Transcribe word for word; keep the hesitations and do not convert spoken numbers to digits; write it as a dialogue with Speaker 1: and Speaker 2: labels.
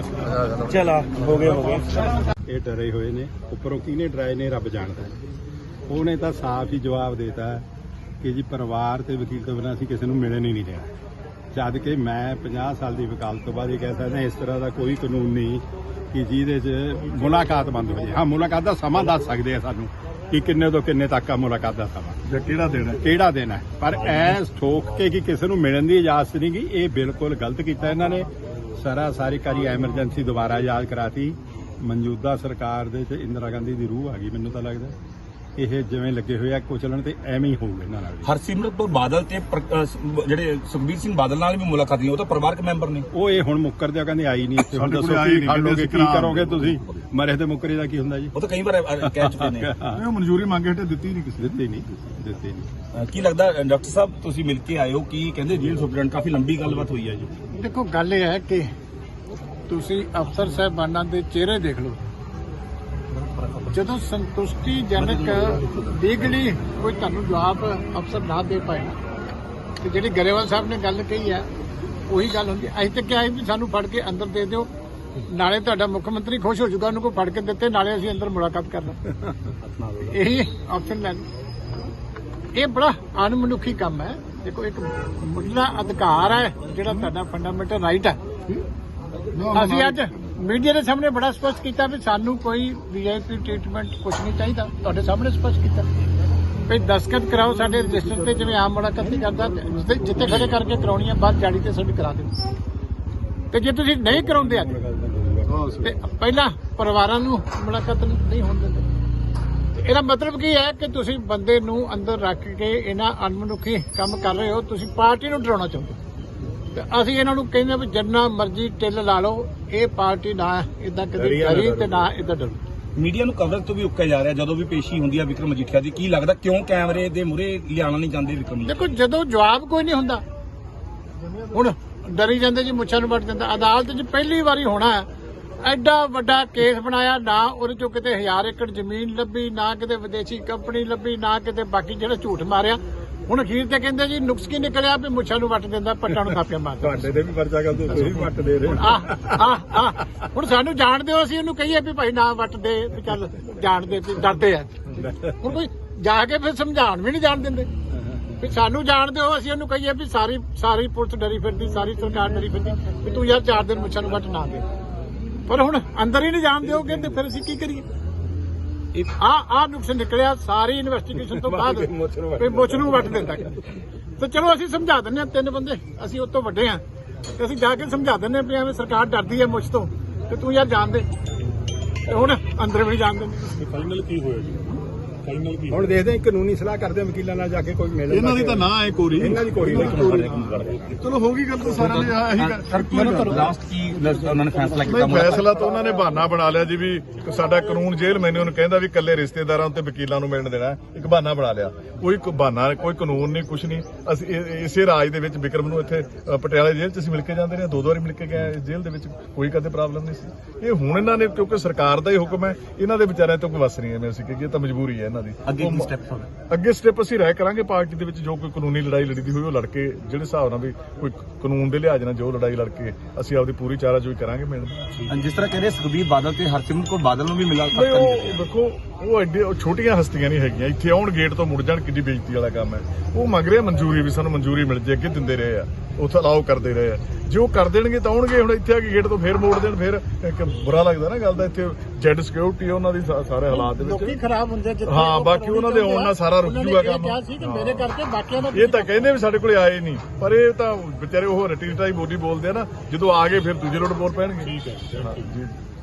Speaker 1: चला हो गए हो गए
Speaker 2: ਇਹ ਡਰੇ ਹੋਏ ਨੇ ਉੱਪਰੋਂ ਕਿਹਨੇ ਡਰਾਏ ਨੇ ਰੱਬ ਜਾਣਦਾ ਉਹਨੇ ਤਾਂ ਸਾਫ਼ ਹੀ ਜਵਾਬ ਦੇਤਾ ਕਿ ਜੀ ਪਰਿਵਾਰ ਤੇ ਵਕੀਲ ਤੋਂ ਬਿਨਾਂ ਅਸੀਂ ਕਿਸੇ ਨੂੰ ਮਿਲਣ ਹੀ ਨਹੀਂ ਦੇਣਾ ਜਦ ਕਿ ਮੈਂ ਪੰਜਾਹ ਸਾਲ ਦੀ ਵਕਾਲਤ ਤੋਂ ਬਾਅਦ ਇਹ ਕਹਿ ਸਕਦਾ ਇਸ ਤਰ੍ਹਾਂ ਦਾ ਕੋਈ ਕਾਨੂੰਨ ਨਹੀਂ ਕਿ ਜਿਹਦੇ 'ਚ ਮੁਲਾਕਾਤ ਬੰਦ ਹੋ ਜਾਏ ਹਾਂ ਮੁਲਾਕਾਤ ਦਾ ਸਮਾਂ ਦੱਸ ਸਕਦੇ ਆ ਸਾਨੂੰ ਕਿ ਕਿੰਨੇ ਤੋਂ ਕਿੰਨੇ ਤੱਕ ਆ ਮੁਲਾਕਾਤ ਦਾ ਸਮਾਂ ਜਾਂ ਕਿਹੜਾ ਦਿਨ ਹੈ ਕਿਹੜਾ ਦਿਨ ਹੈ ਪਰ ਐ ਠੋਕ ਕੇ ਕਿ ਕਿਸੇ ਨੂੰ ਮਿਲਣ ਦੀ ਇਜਾਜ਼ਤ ਨਹੀਂ ਗੀ ਇਹ ਬਿਲਕੁਲ ਗਲਤ ਕੀਤਾ ਇਹਨਾਂ ਨੇ ਸਾਰਾ ਸਾਰੀ ਕਾਰੀ ਐਮਰਜੈਂਸੀ ਦੁਬਾਰਾ ਯਾਦ ਕਰਾਤੀ ਮੌਜੂਦਾ ਸਰਕਾਰ ਦੇ ਤੇ ਇੰਦਰਾ ਗਾਂਧੀ ਦੀ ਰੂਹ ਆ ਗਈ ਮੈਨੂੰ ਤਾਂ ਲੱਗਦਾ ਇਹ ਜਿਵੇਂ ਲੱਗੇ ਹੋਏ ਆ ਕੁਚਲਣ ਤੇ ਐਵੇਂ ਹੀ ਹੋਊਗਾ ਇਹਨਾਂ ਨਾਲ
Speaker 1: ਹਰਸਿਮਰਤ ਕੌਰ ਬਾਦਲ ਤੇ ਜਿਹੜੇ ਸੁਖਬੀਰ ਸਿੰਘ ਬਾਦਲ ਨਾਲ ਵੀ ਮੁਲਾਕਾਤ ਨਹੀਂ ਉਹ ਤਾਂ ਪਰਿਵਾਰਕ ਮੈਂਬਰ ਨੇ ਉਹ
Speaker 2: ਇਹ ਹੁਣ ਮੁੱਕਰਦੇ ਆ ਕਹਿੰਦੇ ਆਈ ਨਹੀਂ ਇੱਥੇ ਹੁਣ ਦੱਸੋ ਕੀ ਖਾ ਲੋਗੇ ਕੀ ਕਰੋਗੇ ਤੁਸੀਂ ਮਰੇ ਤੇ ਮੁੱਕਰੇ ਦਾ ਕੀ ਹੁੰਦਾ ਜੀ
Speaker 1: ਉਹ ਤਾਂ ਕਈ ਵਾਰ ਕਹਿ ਚੁੱਕੇ ਨੇ
Speaker 2: ਉਹ ਮਨਜ਼ੂਰੀ ਮੰਗੇ ਹਟੇ ਦਿੱਤੀ ਨਹੀਂ ਕਿਸੇ ਦਿੱਤੀ ਨਹੀਂ ਦਿੱਤੀ ਨਹੀਂ
Speaker 1: ਕੀ ਲੱਗਦਾ ਡਾਕਟਰ ਸਾਹਿਬ ਤੁਸੀਂ ਮਿਲ ਕੇ ਆਏ ਹੋ ਕੀ ਕਹਿੰਦੇ ਜੇਲ੍ਹ ਸੁਪਰਡੈਂਟ ਕਾਫੀ ਲੰਬੀ ਗੱਲਬਾਤ ਹੋਈ ਹੈ ਜੀ
Speaker 3: ਦੇਖੋ ਗੱਲ ਇਹ ਹੈ ਕਿ ਤੁਸੀਂ ਅਫਸਰ ਸਾਹਿਬਾਨਾਂ ਦੇ ਚਿਹਰੇ ਦੇਖ ਲਓ ਜਦੋਂ ਸੰਤੁਸ਼ਟੀਜਨਕ ਲੀਗਲੀ ਕੋਈ ਤੁਹਾਨੂੰ ਜਵਾਬ ਅਫਸਰ ਨਾ ਦੇ ਪਾਏ ਤੇ ਜਿਹੜੀ ਗਰੇਵਾਲ ਸਾਹਿਬ ਨੇ ਗੱਲ ਕਹੀ ਹੈ ਉਹੀ ਗੱਲ ਹੁੰਦੀ ਅਸੀਂ ਤਾਂ ਕਿਹਾ ਵੀ ਸਾਨੂੰ ਫੜ ਕੇ ਅੰਦਰ ਦੇ ਦਿਓ ਨਾਲੇ ਤੁਹਾਡਾ ਮੁੱਖ ਮੰਤਰੀ ਖੁਸ਼ ਹੋ ਜਾਊਗਾ ਉਹਨੂੰ ਕੋਈ ਫੜ ਕੇ ਦਿੱਤੇ ਨਾਲੇ ਅਸੀਂ ਅੰਦਰ ਮੁਲਾਕਾਤ ਕਰ ਲਾਂਗੇ ਇਹੀ ਆਪਸ਼ਨ ਲੈ ਇਹ ਬੜਾ ਅਣਮਨੁੱਖੀ ਕੰਮ ਹੈ ਦੇਖੋ ਇੱਕ ਮੁੱਢਲਾ ਅਧਿਕਾਰ ਹੈ ਜਿਹੜਾ ਤੁਹਾਡਾ ਫੰਡਾਮੈਂਟਲ ਰਾਈਟ ਹੈ ਅਸੀਂ ਅੱਜ ਮੀਡੀਆ ਦੇ ਸਾਹਮਣੇ ਬੜਾ ਸਪਸ਼ਟ ਕੀਤਾ ਵੀ ਸਾਨੂੰ ਕੋਈ ਵੀਆਈਪੀ ਟ੍ਰੀਟਮੈਂਟ ਕੁਝ ਨਹੀਂ ਚਾਹੀਦਾ ਤੁਹਾਡੇ ਸਾਹਮਣੇ ਸਪਸ਼ਟ ਕੀਤਾ ਵੀ ਦਸਤਖਤ ਕਰਾਓ ਸਾਡੇ ਰਜਿਸਟਰ ਤੇ ਜਿਵੇਂ ਆਮ ਮੁਲਾਕਾਤ ਨਹੀਂ ਕਰਦਾ ਜਿੱਥੇ ਖੜੇ ਕਰਕੇ ਕਰਾਉਣੀ ਹੈ ਬਾਅਦ ਜਾੜੀ ਤੇ ਸਾਡੀ ਕਰਾ ਦਿਓ ਤੇ ਜੇ ਤੁਸੀਂ ਨਹੀਂ ਕਰਾਉਂਦੇ ਅੱਜ ਤੇ ਪਹਿਲਾਂ ਪਰਿਵਾਰਾਂ ਨੂੰ ਮੁਲਾਕਾਤ ਨਹੀਂ ਹੋਣ ਦਿੰਦੇ ਇਹਦਾ ਮਤਲਬ ਕੀ ਹੈ ਕਿ ਤੁਸੀਂ ਬੰਦੇ ਨੂੰ ਅੰਦਰ ਰੱਖ ਕੇ ਇਹਨਾਂ ਅਣਮਨੁੱਖੀ ਕੰਮ ਕਰ ਰਹੇ ਹੋ ਤੁਸੀਂ ਪਾਰਟੀ ਨੂੰ ਡਰਾਉਣਾ ਚਾਹੁੰਦੇ ਹੋ ਅਸੀਂ ਇਹਨਾਂ ਨੂੰ ਕਹਿੰਦੇ ਵੀ ਜਿੰਨਾ ਮਰਜ਼ੀ ਟਿੱਲ ਲਾ ਲਓ ਇਹ ਪਾਰਟੀ ਨਾ ਇਦਾਂ ਕਦੇ ਕਰੀ ਤੇ ਨਾ ਇਦਾਂ ਡਰੂ
Speaker 1: ਮੀਡੀਆ ਨੂੰ ਕਵਰੇਜ ਤੋਂ ਵੀ ਉੱਕਿਆ ਜਾ ਰਿਹਾ ਜਦੋਂ ਵੀ ਪੇਸ਼ੀ ਹੁੰਦੀ ਹੈ ਵਿਕਰਮ ਮਜੀਠੀਆ ਦੀ ਕੀ ਲੱਗਦਾ ਕਿਉਂ ਕੈਮਰੇ ਦੇ ਮੂਹਰੇ ਲਿਆਉਣਾ ਨਹੀਂ ਚਾਹੁੰਦੇ ਵਿਕਰਮ
Speaker 3: ਦੇਖੋ ਜਦੋਂ ਜਵਾਬ ਕੋਈ ਨਹੀਂ ਹੁੰਦਾ ਹੁਣ ਡਰੀ ਜਾਂਦੇ ਜੀ ਮੁੱਛਾਂ ਨੂੰ ਵੱਟ ਦਿੰਦਾ ਅਦਾਲਤ 'ਚ ਪਹਿਲੀ ਵਾਰੀ ਹੋਣਾ ਐਡਾ ਵੱਡਾ ਕੇਸ ਬਣਾਇਆ ਨਾ ਉਹਦੇ ਚੋਂ ਕਿਤੇ ਹਜ਼ਾਰ ਏਕੜ ਜ਼ਮੀਨ ਲੱਭੀ ਨਾ ਕਿਤੇ ਵਿਦੇਸ਼ੀ ਕੰਪਨੀ ਲੱਭੀ ਨਾ ਕਿਤੇ ਬਾਕੀ ਜਿਹੜਾ ਝੂਠ ਮਾਰਿਆ ਹੁਣ ਅਖੀਰ ਤੇ ਕਹਿੰਦੇ ਜੀ ਨੁਕਸ ਕੀ ਨਿਕਲਿਆ ਵੀ ਮੁੱਛਾਂ ਨੂੰ ਵੱਟ ਦਿੰਦਾ ਪੱਟਾਂ ਨੂੰ ਥਾਪੀਆਂ ਮਾਰਦਾ
Speaker 2: ਤੁਹਾਡੇ ਤੇ ਵੀ ਪਰਚਾ ਕਰ ਦੋ ਤੁਸੀਂ ਵੱਟ ਦੇ ਰਹੇ
Speaker 3: ਆ ਆ ਹੁਣ ਸਾਨੂੰ ਜਾਣਦੇ ਹੋ ਅਸੀਂ ਉਹਨੂੰ ਕਹੀਏ ਵੀ ਭਾਈ ਨਾ ਵੱਟ ਦੇ ਵੀ ਚੱਲ ਜਾਣਦੇ ਵੀ ਡਰਦੇ ਆ ਹੁਣ ਕੋਈ ਜਾ ਕੇ ਫਿਰ ਸਮਝਾਉਣ ਵੀ ਨਹੀਂ ਜਾਣ ਦਿੰਦੇ ਵੀ ਸਾਨੂੰ ਜਾਣਦੇ ਹੋ ਅਸੀਂ ਉਹਨੂੰ ਕਹੀਏ ਵੀ ਸਾਰੀ ਸਾਰੀ ਪੁਲਿਸ ਡਰੀ ਫਿਰਦੀ ਸਾਰੀ ਸਰਕਾਰ ਡਰੀ ਫਿਰਦੀ ਵੀ ਤੂੰ ਯਾਰ ਚਾਰ ਦਿਨ ਮੁੱਛਾਂ ਨੂੰ ਵੱਟ ਨਾ ਦੇ ਪਰ ਹੁਣ ਅੰਦਰ ਹੀ ਨਹੀਂ ਜਾਣ ਦਿਓਗੇ ਤੇ ਫਿਰ ਅਸੀਂ ਕੀ ਕਰੀਏ ਆ ਆ ਨੁਕਸ ਨਿਕਲਿਆ ਸਾਰੀ ਇਨਵੈਸਟੀਗੇਸ਼ਨ ਤੋਂ ਬਾਅਦ ਵੀ ਮੁੱਛ ਨੂੰ ਵੱਟ ਦਿੰਦਾ ਤੇ ਚਲੋ ਅਸੀਂ ਸਮਝਾ ਦਿੰਦੇ ਹਾਂ ਤਿੰਨ ਬੰਦੇ ਅਸੀਂ ਉਹ ਤੋਂ ਵੱਡੇ ਆ ਤੇ ਅਸੀਂ ਜਾ ਕੇ ਸਮਝਾ ਦਿੰਦੇ ਹਾਂ ਵੀ ਐਵੇਂ ਸਰਕਾਰ ਡਰਦੀ ਹੈ ਮੁੱਛ ਤੋਂ ਤੇ ਤੂੰ ਯਾਰ ਜਾਣ ਦੇ ਤੇ ਹੁਣ ਅੰਦਰ ਵੀ ਨਹੀਂ ਜਾਣ ਦਿੰਦੇ
Speaker 2: ਫਾਈਨਲ ਕੀ ਹੋਇਆ ਜੀ ਫਾਈਨਲ ਕੀ ਹੁਣ ਦੇਖਦੇ ਹਾਂ ਕਾਨੂੰਨੀ ਸਲਾਹ ਕਰਦੇ ਹਾਂ ਵਕੀਲਾਂ ਨਾਲ ਜਾ ਕੇ ਕੋਈ ਮਿਲ
Speaker 4: ਇਹਨਾਂ ਦੀ ਤਾਂ ਨਾ ਹੈ ਕੋਰੀ
Speaker 2: ਇਹਨਾਂ ਦੀ ਕੋਰੀ
Speaker 4: ਚਲੋ ਹੋ ਗਈ ਗੱਲ ਤਾਂ ਸਾਰਿਆਂ ਨੇ ਆਹੀ
Speaker 1: ਲਾਸਟ ਕੀ ਉਹਨਾਂ ਨੇ ਫੈਸਲਾ ਕੀਤਾ
Speaker 4: ਫੈਸਲਾ ਤਾਂ ਉਹਨਾਂ ਨੇ ਬਹਾਨਾ ਬਣਾ ਲਿਆ ਜੀ ਵੀ ਸਾਡਾ ਕਾਨੂੰਨ ਜੇਲ੍ਹ ਮੈਨੂੰ ਕਹਿੰਦਾ ਵੀ ਇਕੱਲੇ ਰਿਸ਼ਤੇਦਾਰਾਂ ਉੱਤੇ ਵਕੀਲਾਂ ਨੂੰ ਮਿਲਣ ਦੇਣਾ ਇੱਕ ਬਹਾਨਾ ਬਣਾ ਲਿਆ ਕੋਈ ਬਹਾਨਾ ਕੋਈ ਕਾਨੂੰਨ ਨਹੀਂ ਕੁਛ ਨਹੀਂ ਅਸੀਂ ਇਸੇ ਰਾਜ ਦੇ ਵਿੱਚ ਵਿਕਰਮ ਨੂੰ ਇੱਥੇ ਪਟਿਆਲੇ ਜੇਲ੍ਹ 'ਚ ਅਸੀਂ ਮਿਲ ਕੇ ਜਾਂਦੇ ਰਹੇ ਦੋ ਦੋ ਵਾਰੀ ਮਿਲ ਕੇ ਗਏ ਜੇਲ੍ਹ ਦੇ ਵਿੱਚ ਕੋਈ ਕਦੇ ਪ੍ਰੋਬਲਮ ਨਹੀਂ ਸੀ ਇਹ ਹੁਣ ਇਹਨਾਂ ਨੇ ਕਿਉਂਕਿ ਸਰਕਾਰ ਦਾ ਹੀ ਹੁਕਮ ਹੈ ਇਹਨਾਂ ਦੇ ਵਿਚਾਰਿਆਂ ਤੋਂ ਕੋਈ ਵਸ ਨਹੀਂ ਹੈ ਮੈਂ ਅਸੀਂ ਕਹੀਏ ਤਾਂ ਮਜਬੂਰੀ ਹੈ ਇਹਨਾਂ ਦੀ
Speaker 1: ਅੱਗੇ ਕੀ ਸਟੈਪ
Speaker 4: ਅੱਗੇ ਸਟੈਪ ਅਸੀਂ ਰਾਇ ਕਰਾਂਗੇ ਪਾਰਟੀ ਦੇ ਵਿੱਚ ਜੋ ਕੋਈ ਕਾਨੂੰਨੀ ਲੜਾਈ ਲੜੀ ਦੀ ਹੋਈ ਉਹ ਲੜ ਕੇ ਜਿਹੜੇ ਹਿਸਾਬ ਨਾਲ ਵੀ ਕੋਈ ਕਾਨੂੰਨ ਦੇ ਲਿਹਾਜ਼ ਨਾਲ ਜੋ ਲੜਾਈ ਲੜ ਕੇ ਅਸੀਂ ਆਪਦੀ ਪੂਰੀ ਚਾਰਾਜੋਈ ਕਰਾਂਗੇ ਮਿਲਣ
Speaker 1: ਜਿਸ ਤਰ੍ਹਾਂ ਕਹਿੰਦੇ ਸੁਖਬੀਰ ਬਾਦਲ ਤੇ ਹਰਸਿਮਰਤ ਕੌਰ ਬਾਦਲ ਨੂੰ ਵੀ ਮਿਲਾ
Speaker 4: ਦੇਖੋ ਉਹ ਐਡੇ ਛੋਟੀਆਂ ਹਸਤੀਆਂ ਨਹੀਂ ਹੈਗੀਆਂ ਇੱਥੇ ਆਉਣ ਗੇਟ ਤੋਂ ਮੁੜ ਜਾਣ ਕਿੱਡੀ ਬੇਇੱਜ਼ਤੀ ਵਾਲਾ ਕੰਮ ਹੈ ਉਹ ਮੰਗ ਰਿਹਾ ਮਨਜ਼ੂਰੀ ਵੀ ਸਾਨੂੰ ਮਨਜ਼ੂਰੀ ਮਿਲ ਜੇ ਅੱਗੇ ਦਿੰਦੇ ਰਹੇ ਆ ਉੱਥੇ ਅਲਾਓ ਕਰਦੇ ਰਹੇ ਆ ਜੇ ਉਹ ਕਰ ਦੇਣਗੇ ਤਾਂ ਆਉਣਗੇ ਹੁਣ ਇੱਥੇ ਆ ਕੇ ਗੇਟ ਤੋਂ ਫੇਰ ਮੋੜ ਦੇਣ ਫੇਰ ਇੱਕ ਬੁਰਾ ਲੱਗਦਾ ਨਾ ਗੱਲ ਦਾ ਇੱਥੇ ਜੈਡ ਸਿਕਿਉਰਿਟੀ ਉਹਨਾਂ ਦੀ ਸਾਰੇ ਹਾਲਾਤ ਦੇ ਵਿੱਚ
Speaker 3: ਖਰਾਬ ਹੁੰਦੇ
Speaker 4: ਹਾਂ ਬਾਕੀ ਉਹਨਾਂ ਦੇ ਆਉਣ ਨਾਲ ਸਾਰਾ ਰੁਕ ਜੂਗਾ ਕੰਮ
Speaker 3: ਮੇਰੇ ਕਰਕੇ ਬਾਕੀਆਂ ਦਾ
Speaker 4: ਇਹ ਤਾਂ ਕਹਿੰਦੇ ਵੀ ਸਾਡੇ ਕੋਲੇ ਆਏ ਨਹੀਂ ਪਰ ਇਹ ਤਾਂ ਵਿਚਾਰੇ ਉਹ ਰਟੀ ਟਾਈ ਬੋਲੀ ਬੋਲਦੇ ਆ ਨਾ ਜਦੋਂ ਆ ਗਏ ਫਿਰ ਦੂਜੇ ਰੋਡ ਬੋਲ ਪੈਣਗੇ ਠੀਕ ਹੈ ਜੀ